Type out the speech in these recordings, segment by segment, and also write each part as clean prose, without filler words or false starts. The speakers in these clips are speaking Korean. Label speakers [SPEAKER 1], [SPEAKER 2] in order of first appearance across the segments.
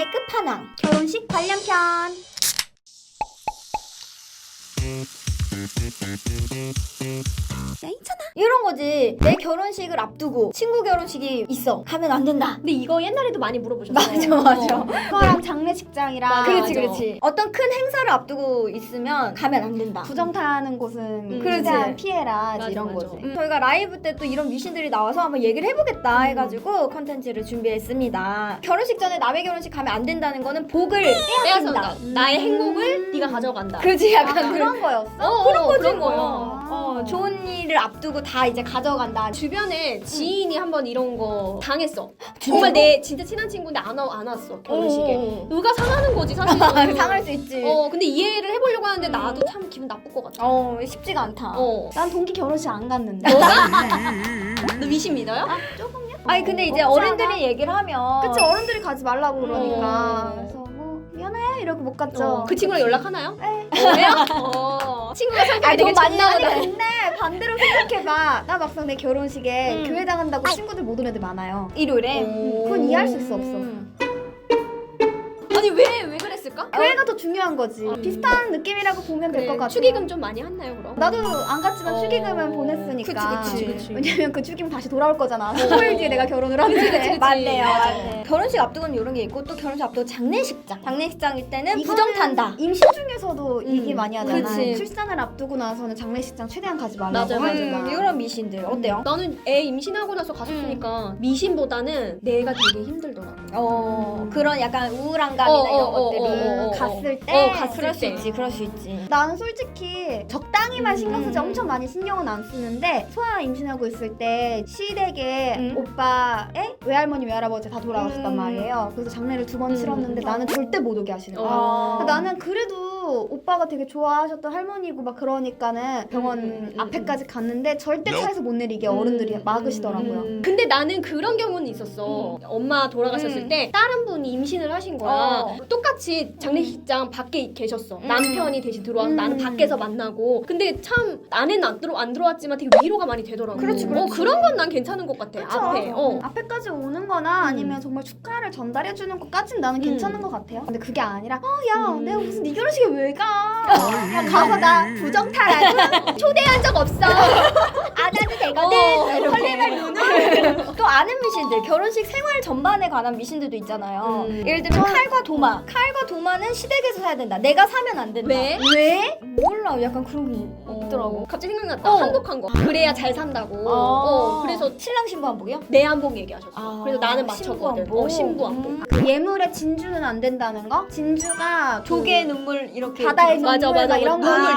[SPEAKER 1] 미신의 끝판왕 결혼식 관련편. 야, 있잖아. 이런 거지. 내 결혼식을 앞두고 친구 결혼식이 있어. 가면 안 된다.
[SPEAKER 2] 근데 이거 옛날에도 많이 물어보셨어요.
[SPEAKER 1] 맞아.
[SPEAKER 3] 그거랑 장례식장이랑
[SPEAKER 1] 그렇지,
[SPEAKER 2] 맞아.
[SPEAKER 1] 그렇지. 어떤 큰 행사를 앞두고 있으면 가면 안 된다.
[SPEAKER 3] 부정타는 곳은
[SPEAKER 1] 그렇지.
[SPEAKER 3] 최대한 피해라
[SPEAKER 2] 맞아,
[SPEAKER 3] 이런
[SPEAKER 2] 맞아.
[SPEAKER 3] 거지.
[SPEAKER 1] 저희가 라이브 때 또 이런 미신들이 나와서 한번 얘기를 해보겠다 해가지고 컨텐츠를 준비했습니다. 결혼식 전에 남의 결혼식 가면 안 된다는 거는 복을 빼앗긴다.
[SPEAKER 2] 빼앗아간다. 나의 행복을 네가 가져간다.
[SPEAKER 1] 그지
[SPEAKER 3] 아,
[SPEAKER 1] 약간
[SPEAKER 3] 그런 거였어?
[SPEAKER 1] 그런 거지
[SPEAKER 2] 그런
[SPEAKER 1] 뭐.
[SPEAKER 3] 거요.
[SPEAKER 1] 좋은 일을 앞두고 다 이제 가져간다.
[SPEAKER 2] 주변에 지인이 한번 이런 거 당했어. 정말 내 진짜 친한 친구인데 안 왔어 결혼식에. 누가 상하는 거지 사실.
[SPEAKER 1] 상할 수 있지.
[SPEAKER 2] 근데 이해를 해보려고 하는데 나도 참 기분 나쁠 것 같아.
[SPEAKER 1] 쉽지가 않다.
[SPEAKER 3] 난 동기 결혼식 안 갔는데.
[SPEAKER 2] 너 미신 믿어요?
[SPEAKER 3] 조금요?
[SPEAKER 1] 아니 근데 이제
[SPEAKER 3] 없지
[SPEAKER 1] 어른들이
[SPEAKER 3] 않아?
[SPEAKER 1] 얘기를 하면
[SPEAKER 3] 그치, 어른들이 가지 말라고 그러니까.
[SPEAKER 2] 어.
[SPEAKER 3] 그래서 뭐 미안해 이러고 못 갔죠.
[SPEAKER 2] 그 친구랑 연락하나요?
[SPEAKER 3] 네.
[SPEAKER 2] 왜요? 친구가 성격이 되게
[SPEAKER 1] 너무 많이
[SPEAKER 2] 좋나
[SPEAKER 3] 아니
[SPEAKER 2] 보다.
[SPEAKER 3] 근데 반대로 생각해봐. 나 막상 내 결혼식에
[SPEAKER 1] 음.
[SPEAKER 3] 교회 나간다고 친구들 못 온 애들 많아요.
[SPEAKER 1] 일요일에
[SPEAKER 3] 그건 이해할 수 있어, 없어.
[SPEAKER 2] 아니 왜 그랬을까?
[SPEAKER 3] 교회가 더 중요한 거지. 비슷한 느낌이라고 보면 될 것 같아.
[SPEAKER 2] 축의금 좀 많이 했나요 그럼?
[SPEAKER 3] 나도 안 갔지만 축의금은 보냈으니까.
[SPEAKER 2] 그치.
[SPEAKER 3] 왜냐면 그 축의금 다시 돌아올 거잖아. 10일 뒤에 내가 결혼을 하는데.
[SPEAKER 1] 맞네요.
[SPEAKER 2] 맞아.
[SPEAKER 1] 맞네. 결혼식 앞두고는 이런 게 있고 또 결혼식 앞두고 장례식장. 장례식장일 때는
[SPEAKER 3] 이거는
[SPEAKER 1] 부정탄다.
[SPEAKER 3] 임신 중에서도 얘기 많이 하잖아.
[SPEAKER 1] 그치.
[SPEAKER 3] 출산을 앞두고 나서는 장례식장 최대한 가지 말라고.
[SPEAKER 2] 맞아, 맞아.
[SPEAKER 3] 하니까.
[SPEAKER 1] 이런 미신들 어때요?
[SPEAKER 2] 나는 애 임신하고 나서 갔었으니까 미신보다는 내가 되게 힘들더라고.
[SPEAKER 1] 그런 약간 우울한감이나 이런 것들이
[SPEAKER 3] 갔을 때.
[SPEAKER 2] 갔을
[SPEAKER 1] 그럴 수
[SPEAKER 2] 때.
[SPEAKER 1] 있지, 그럴 수 있지.
[SPEAKER 3] 나는 솔직히 적당히만 신경 쓰지 엄청 많이 신경은 안 쓰는데 소아 임신하고 있을 때 시댁에 오빠의 외할머니 외할아버지 다 돌아가셨단 말이에요. 그래서 장례를 2번 치렀는데 나는 절대 못 오게 하시는 거야. 근데 나는 그래도 오빠가 되게 좋아하셨던 할머니고 막 그러니까는 병원 앞에까지 갔는데 절대 차에서 못 내리게 어른들이 막으시더라고요.
[SPEAKER 2] 근데 나는 그런 경우는 있었어. 엄마 돌아가셨을 때 다른 분이 임신을 하신 거야. 똑같이 장례식장 밖에 계셨어. 남편이 대신 들어와서 나는 밖에서 만나고. 근데 참 안에는 안 들어왔지만 되게 위로가 많이 되더라고.
[SPEAKER 1] 그렇지, 그렇지.
[SPEAKER 2] 그런 건 난 괜찮은 것 같아.
[SPEAKER 3] 그쵸?
[SPEAKER 2] 앞에.
[SPEAKER 3] 앞에까지 오는 거나 아니면 정말 축하를 전달해 주는 것까진 나는 괜찮은 것 같아요. 근데 그게 아니라 야 내가 무슨 네 결혼식에 왜 가? 야, 가서 나 부정타라고 초대한 적 없어.
[SPEAKER 1] 안 해도 되거든. 설레발 눈을. 또 아는 미신들, 결혼식 생활 전반에 관한 미신들도 있잖아요. 예를 들면 칼과 도마. 칼과 도마는 시댁에서 사야 된다. 내가 사면 안 된다.
[SPEAKER 2] 왜?
[SPEAKER 3] 왜?
[SPEAKER 1] 몰라. 약간 그런 게 있더라고.
[SPEAKER 2] 갑자기 생각났다. 한복한 거. 그래야 잘 산다고. 그래서
[SPEAKER 1] 신랑 신부 한복이요?
[SPEAKER 2] 내 한복 얘기하셨어. 그래서 나는 맞췄거든.
[SPEAKER 1] 신부 한복.
[SPEAKER 2] 신부 한복.
[SPEAKER 3] 그 예물에 진주는 안 된다는 거? 진주가
[SPEAKER 1] 조개 눈물 이렇게
[SPEAKER 3] 바다의 눈물
[SPEAKER 2] 맞아, 맞아.
[SPEAKER 3] 막 이런 거
[SPEAKER 2] 눈물,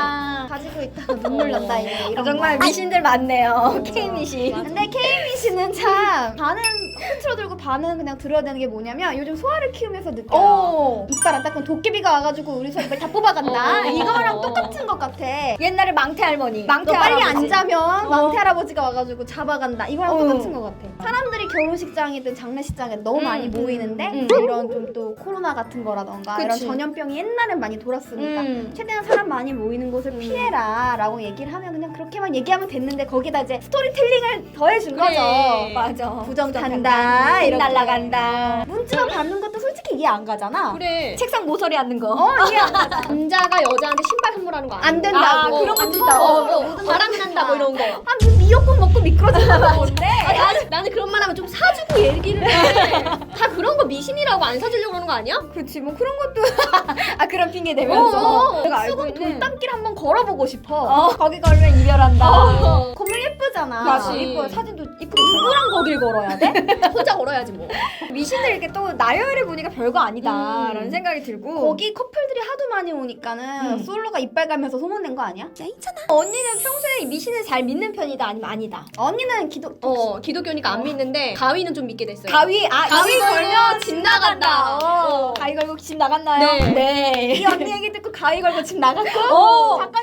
[SPEAKER 3] 가지고 있다가 눈물 난다 이런
[SPEAKER 1] 정말
[SPEAKER 3] 거.
[SPEAKER 1] 미신들 많네요. K 미신.
[SPEAKER 3] 근데 K미 씨는 참 반은 콘트로 들고 반은 그냥 들어야 되는 게 뭐냐면 요즘 소화를 키우면서 느껴요. 이빨 안 닦으면 도깨비가 와가지고 우리 소 이빨 다 뽑아간다. 이거랑 똑같은 것 같아.
[SPEAKER 1] 옛날에 망태 할머니.
[SPEAKER 3] 너 빨리 안
[SPEAKER 1] 할아버지.
[SPEAKER 3] 자면 망태 할아버지가 와가지고 잡아간다. 이거랑 똑같은 것 같아. 사람들이 결혼식장이든 장례식장에 너무 많이 모이는데 이런 좀 또 코로나 같은 거라던가 이런
[SPEAKER 1] 그치.
[SPEAKER 3] 전염병이 옛날엔 많이 돌았으니까 최대한 사람 많이 모이는 곳을 피해라 라고 얘기를 하면 그냥 그렇게만 얘기하면 됐는데 거기다 이제 스토리텔링을 더해준 거죠.
[SPEAKER 1] 맞아.
[SPEAKER 3] 부정탄다 이렇게
[SPEAKER 1] 날라간다.
[SPEAKER 3] 문자만 받는 것도 솔직히 이해 안 가잖아.
[SPEAKER 2] 그래.
[SPEAKER 1] 책상 모서리 앉는 거.
[SPEAKER 3] 이해 안 가잖아.
[SPEAKER 2] 남자가 여자한테 신발 선물하는 거
[SPEAKER 3] 안 된다고.
[SPEAKER 2] 그런
[SPEAKER 3] 안
[SPEAKER 2] 거
[SPEAKER 3] 된다고.
[SPEAKER 2] 있다. 바람 난다 뭐 이런 거.
[SPEAKER 3] 아 무슨 미역국 먹고 미끄러진다고 뭔데?
[SPEAKER 2] 나는 그런 말 하면 좀 사주고 얘기를 해. 다 그런 거 미신이라고 안 사주려고 그러는 거 아니야?
[SPEAKER 1] 그렇지 뭐 그런 것도 그런 핑계 대면서 내가 알고
[SPEAKER 3] 수건
[SPEAKER 1] 있는
[SPEAKER 3] 돌담길 한번 걸어보고 싶어.
[SPEAKER 1] 거기 걸면 이별한다.
[SPEAKER 3] 건물 예쁘잖아.
[SPEAKER 1] 맞아.
[SPEAKER 2] 그치.
[SPEAKER 1] 이뻐요. 사진도 이쁘고.
[SPEAKER 3] 누구랑 거길 걸어야 돼?
[SPEAKER 2] 혼자 걸어야지 뭐.
[SPEAKER 1] 미신들 이렇게 또 나열해 보니까 별거 아니다라는 생각이 들고.
[SPEAKER 3] 거기 커플들이 하도 많이 오니까는 솔로가 이빨 가면서 소문낸 거 아니야?
[SPEAKER 1] 야 있잖아. 언니는 평소에 미신을 잘 믿는 편이다 아니면 아니다.
[SPEAKER 3] 언니는
[SPEAKER 2] 기독교니까 안 믿는데 가위는 좀 믿게 됐어요.
[SPEAKER 1] 가위
[SPEAKER 2] 가위 걸면 집 나간다.
[SPEAKER 1] 가위 걸고 집 나갔나요?
[SPEAKER 2] 네.
[SPEAKER 3] 이 언니 얘기 듣고 가위 걸고 집 나갔고
[SPEAKER 1] 오.
[SPEAKER 3] 작가님도 이번에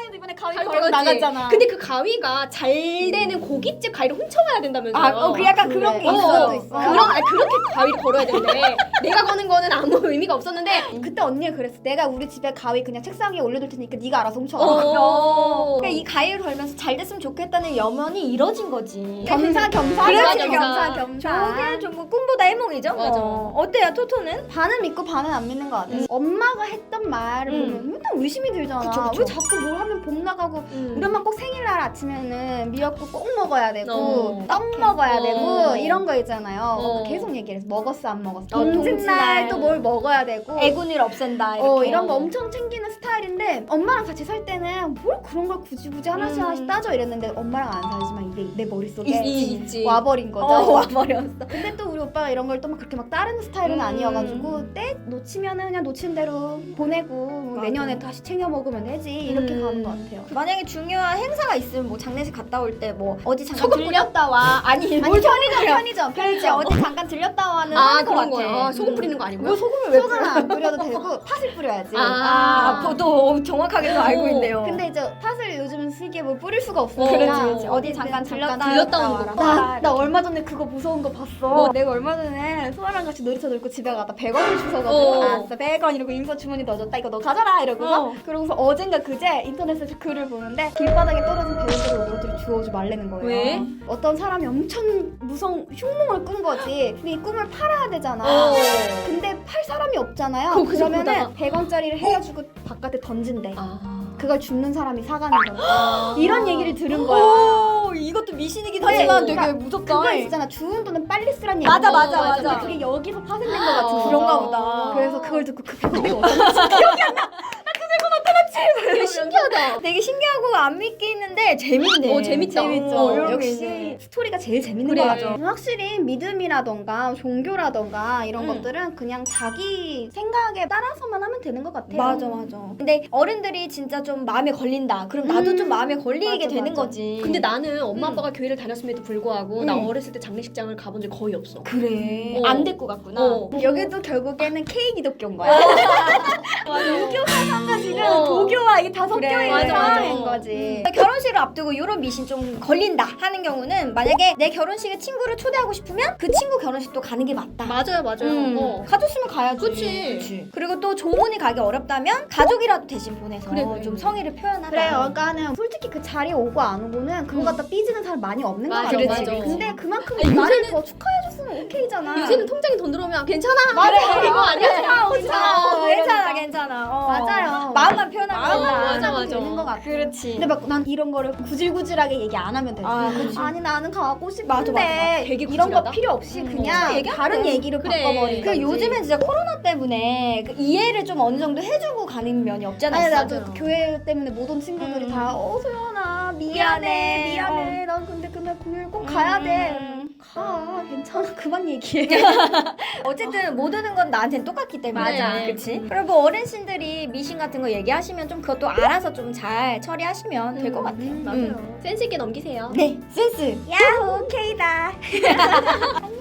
[SPEAKER 3] 가위
[SPEAKER 2] 가위
[SPEAKER 3] 걸고
[SPEAKER 2] 걸었지.
[SPEAKER 3] 나갔잖아.
[SPEAKER 2] 근데 그 가위가 잘 되는 고깃집 가위를 훔쳐가야 된다면서요.
[SPEAKER 1] 그 약간 그런 게
[SPEAKER 3] 그래.
[SPEAKER 1] 있어.
[SPEAKER 3] 있어.
[SPEAKER 2] 그렇게 가위를 걸어야 되는데 내가 거는 거는 아무 의미가 없었는데
[SPEAKER 3] 그때 언니가 그랬어. 내가 우리 집에 가위 그냥 책상 위에 올려둘 테니까 네가 알아서 훔쳐.
[SPEAKER 1] 그러니까 이 가위를 걸면서 잘 됐으면 좋겠다는 염원이 이뤄진 거지.
[SPEAKER 3] 겸사겸사.
[SPEAKER 1] 그렇지,
[SPEAKER 3] 겸사겸사.
[SPEAKER 1] 저게 좀 꿈보다 해몽이죠.
[SPEAKER 2] 맞아.
[SPEAKER 1] 어때요, 토토는?
[SPEAKER 3] 반은 믿고 반은 안 믿는 것 같아. 엄마가 했던 말을 보면 맨날 의심이 들잖아.
[SPEAKER 1] 그쵸.
[SPEAKER 3] 왜 자꾸 뭘 하면 봄 나가고 우리 엄마 꼭 생일날 아침에는 미역국 꼭 먹어야 되고 떡 먹어야 되고 이런 거 있잖아요. 계속 얘기를 해서 먹었어 안 먹었어. 동짓날 또 뭘 먹어야 되고
[SPEAKER 1] 애군일 없앤다. 이렇게.
[SPEAKER 3] 이런 거 엄청 챙기는 스타일인데 엄마랑 같이 살 때는 뭘 그런 걸 굳이 하나씩 따져 이랬는데 엄마랑 안 살지만 이게 내 머릿속에
[SPEAKER 2] 있지.
[SPEAKER 3] 와버린 거죠.
[SPEAKER 1] 와버렸어.
[SPEAKER 3] 근데 또 우리 오빠가 이런 걸 또 막 그렇게 막 따르는 스타일은 아니어가지고 때 놓치면은 그냥 놓친 대로 보내고 뭐
[SPEAKER 1] 맞아.
[SPEAKER 3] 내년에 다시 챙겨 먹으면 되지 이렇게 가는 것 같아요.
[SPEAKER 1] 만약에 중요한 행사가 있으면 뭐 장례식 갔다 올 때 뭐 어디 잠깐
[SPEAKER 2] 소금 뿌려?
[SPEAKER 1] 들렸다 와. 아니
[SPEAKER 3] 아니 편의점
[SPEAKER 1] 그렇지 어디 잠깐 들렸다 와는
[SPEAKER 2] 아
[SPEAKER 1] 하는 것
[SPEAKER 2] 그런
[SPEAKER 1] 같아.
[SPEAKER 2] 거야. 소금 뿌리는 거 아니고요?
[SPEAKER 1] 소금을 왜
[SPEAKER 3] 소금은 안 뿌려도 되고 팥을 뿌려야지.
[SPEAKER 1] 또 정확하게 또 알고 있네요.
[SPEAKER 3] 근데 이제 팥을 요즘은 쓰기에 뭐 뿌릴 수가 없으니까
[SPEAKER 1] 그렇지. 어디 잠깐 들렸다
[SPEAKER 2] 오는 거.
[SPEAKER 3] 나 얼마 전에 그거 무서운 거 봤어. 내가 얼마 전에 소아랑 같이 놀이터 놀고 집에 가다 100원을 주워가지고 알았어 100원 이러고 인사 주머니 넣어줬다 이거 너 가져라 이러고서 그러고서 어젠가 그제 인터넷에서 글을 보는데 길바닥에 떨어진 100원짜리 노트를 주워오지 말라는 거예요.
[SPEAKER 2] 왜?
[SPEAKER 3] 어떤 사람이 엄청 무서운 흉몽을 꾼 거지. 근데 이 꿈을 팔아야 되잖아. 근데 팔 사람이 없잖아요.
[SPEAKER 2] 그래서
[SPEAKER 3] 그러면은 100원짜리를 해가지고 바깥에 던진대. 그걸 죽는 사람이 사가는 거야. 이런 얘기를 들은 거야.
[SPEAKER 1] 오, 이것도 미신이긴 하지만 되게
[SPEAKER 3] 그러니까
[SPEAKER 1] 무섭다.
[SPEAKER 3] 그거 있잖아. 주운 돈은 빨리 쓰란 얘기.
[SPEAKER 1] 맞아.
[SPEAKER 3] 근데 그게 여기서 파생된 것 같은
[SPEAKER 1] 그런가 보다.
[SPEAKER 3] 그래서 그걸 듣고 그 100원이 어쩌나
[SPEAKER 2] 되게 신기하다.
[SPEAKER 1] 되게 신기하고 안 믿기는데 재밌네.
[SPEAKER 2] 재밌다.
[SPEAKER 1] 재밌죠. 이런 게
[SPEAKER 3] 역시
[SPEAKER 1] 있네.
[SPEAKER 3] 스토리가 제일 재밌는
[SPEAKER 2] 그래.
[SPEAKER 3] 거 같아. 확실히 믿음이라던가 종교라던가 이런
[SPEAKER 2] 음.
[SPEAKER 3] 것들은 그냥 자기 생각에 따라서만 하면 되는 것 같아요.
[SPEAKER 1] 맞아. 근데 어른들이 진짜 좀 마음에 걸린다. 그럼 나도 좀 마음에 걸리게
[SPEAKER 3] 맞아,
[SPEAKER 1] 되는
[SPEAKER 3] 맞아.
[SPEAKER 1] 거지.
[SPEAKER 2] 근데 나는 엄마 아빠가 교회를 다녔음에도 불구하고 나 어렸을 때 장례식장을 가본 적 거의 없어.
[SPEAKER 1] 그래.
[SPEAKER 2] 어.
[SPEAKER 1] 안 데리고 갔구나.
[SPEAKER 3] 여기도 결국에는 K 기독교인 거야. 유교 사상과 지금 도교와 이게 다 섞여
[SPEAKER 1] 그래.
[SPEAKER 3] 있는
[SPEAKER 2] 맞아,
[SPEAKER 3] 상황인
[SPEAKER 2] 맞아.
[SPEAKER 3] 거지.
[SPEAKER 1] 결혼식을 앞두고 이런 미신 좀 걸린다 하는 경우는 만약에 내 결혼식에 친구를 초대하고 싶으면 그 친구 결혼식도 가는 게 맞다.
[SPEAKER 2] 맞아요.
[SPEAKER 1] 가줬으면 가야지.
[SPEAKER 2] 그치.
[SPEAKER 1] 그리고 또 조문이 가기 어렵다면 가족이라도 대신 보내서
[SPEAKER 2] 그래.
[SPEAKER 1] 좀 성의를 표현하다.
[SPEAKER 3] 그래, 그러니까는 솔직히 그 자리에 오고 안 오고는 그거 갖다 삐지는 사람 많이 없는 거
[SPEAKER 2] 맞아,
[SPEAKER 3] 같아.
[SPEAKER 2] 맞아.
[SPEAKER 3] 근데 그만큼
[SPEAKER 2] 아니,
[SPEAKER 3] 나를
[SPEAKER 2] 요새는-
[SPEAKER 3] 더 축하해줬으면 오케이잖아.
[SPEAKER 2] 요새는 통장에 돈 들어오면 괜찮아.
[SPEAKER 3] 맞아.
[SPEAKER 2] 이거 아니야.
[SPEAKER 1] 괜찮아.
[SPEAKER 3] 맞아요.
[SPEAKER 1] 마음만 표현하면
[SPEAKER 3] 마음만
[SPEAKER 1] 된다.
[SPEAKER 3] 표현하면 되는 것 같아.
[SPEAKER 1] 그렇지.
[SPEAKER 3] 근데 막 난 이런 거를 구질구질하게 얘기 안 하면 되지.
[SPEAKER 1] 그치.
[SPEAKER 3] 아니 나는 가고
[SPEAKER 1] 맞아.
[SPEAKER 3] 싶은데
[SPEAKER 2] 되게
[SPEAKER 3] 이런 거
[SPEAKER 2] 구질하다?
[SPEAKER 3] 필요 없이
[SPEAKER 1] 진짜
[SPEAKER 3] 그냥
[SPEAKER 1] 얘기하면
[SPEAKER 3] 다른
[SPEAKER 1] 돼.
[SPEAKER 3] 얘기로
[SPEAKER 2] 그래.
[SPEAKER 3] 바꿔버리는
[SPEAKER 1] 그 요즘엔 진짜 코로나 때문에 그 이해를 좀 어느 정도 해주고 가는 면이 없잖아.
[SPEAKER 3] 아니
[SPEAKER 1] 있어.
[SPEAKER 3] 나도 교회 때문에 못 온 친구들이 다 소연아 미안해
[SPEAKER 1] 미안해.
[SPEAKER 3] 난 근데 그날 공연 꼭 가야 돼. 가 괜찮아 그만 얘기해.
[SPEAKER 1] 어쨌든 못 오는 건 나한테는 똑같기 때문에.
[SPEAKER 2] 맞아.
[SPEAKER 1] 그치? 그리고 뭐 어르신들이 미신 같은 거 얘기하시면 좀 그것도 알아서 좀 잘 처리하시면 될 것 같아요.
[SPEAKER 2] 맞아요. 센스 있게 넘기세요.
[SPEAKER 1] 네, 센스.
[SPEAKER 3] 야호 오케이다.